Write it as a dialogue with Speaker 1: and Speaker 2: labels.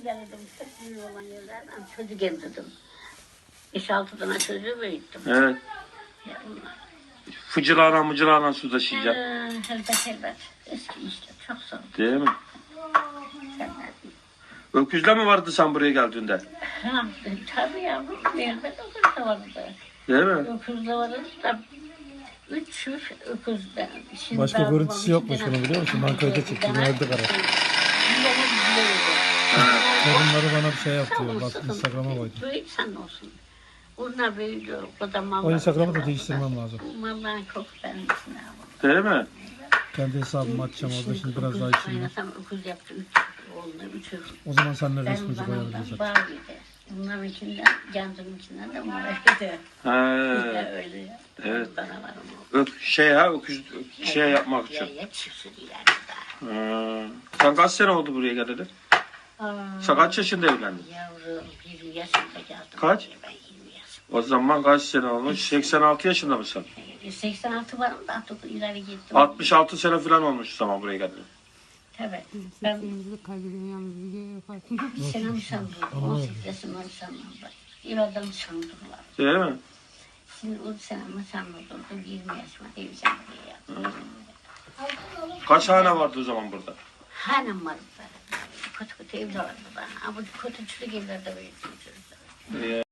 Speaker 1: geldim. Çok büyük olan yerlerden çocuk emzirdim. 5-6 tane çocuğu büyüttüm.
Speaker 2: Evet.
Speaker 1: Ya bunlar.
Speaker 2: Fıcırağına su taşıyacak.
Speaker 1: Elbet. Eski işte. Çok zor.
Speaker 2: Değil mi? Öküzle mi vardı sen buraya geldiğinde?
Speaker 1: Ha, tabii yavrum. Elbet öküz de vardı.
Speaker 2: Değil mi?
Speaker 1: Öküz de vardı da 3 öküz de. Şimdi
Speaker 3: Başka
Speaker 1: ben
Speaker 3: görüntüsü
Speaker 1: babam
Speaker 3: yokmuş
Speaker 1: iki
Speaker 3: bunun, biliyor musun? Ben kayda çektim, verdi karar. Torunları bana bir şey yaptı. Bak Instagram'a koydum.
Speaker 1: Büyük sen olsun. Bunlar büyüdü. O da
Speaker 3: O Instagram'ı da değiştirmem lazım.
Speaker 1: Vallahi çok beğenmişsin abi.
Speaker 2: Değil mi?
Speaker 3: Kendi hesabımı açacağım orada, şimdi biraz daha içeyim.
Speaker 1: Oynasam öküz yaptı. 3 oldu. 3 öküz.
Speaker 3: O zaman seninle
Speaker 1: Benim
Speaker 3: resmimizi
Speaker 1: zamanımda
Speaker 3: koyabiliriz.
Speaker 1: bağ gibi. Bunların içinden, Cansu'nun içinden de bunlar öyle.
Speaker 2: He.
Speaker 1: Öyle ya.
Speaker 2: Evet.
Speaker 1: Bana var ama.
Speaker 2: Öküz yapmak için.
Speaker 1: Ya çiftçi yani daha.
Speaker 2: Sen kaç sene oldu buraya geleli? Sen kaç yaşında evlendin?
Speaker 1: Yavrum 20 yaşında geldim.
Speaker 2: Kaç?
Speaker 1: Ben 20 yaşında.
Speaker 2: O zaman kaç sene olmuş? 86 yaşında mısın?
Speaker 1: 86 varım da artık ileri gittim.
Speaker 2: 66 sene falan olmuş o zaman buraya geleli.
Speaker 1: Tabii. Ben
Speaker 4: Sesimizi kaybediyorum yalnız video yaparken.
Speaker 1: bir senem sandım. 18 yaşımdan sandım. İradan sandılar.
Speaker 2: Değil mi?
Speaker 1: Şimdi o senemi sandırdım. 20 yaşıma evlendim diye yaptım.
Speaker 2: Kaç hane vardı o zaman burada?
Speaker 1: Hanım vardı. Kötü kötü evler vardı da. Ama kötü çürük evlerde büyüdüm çocuklar.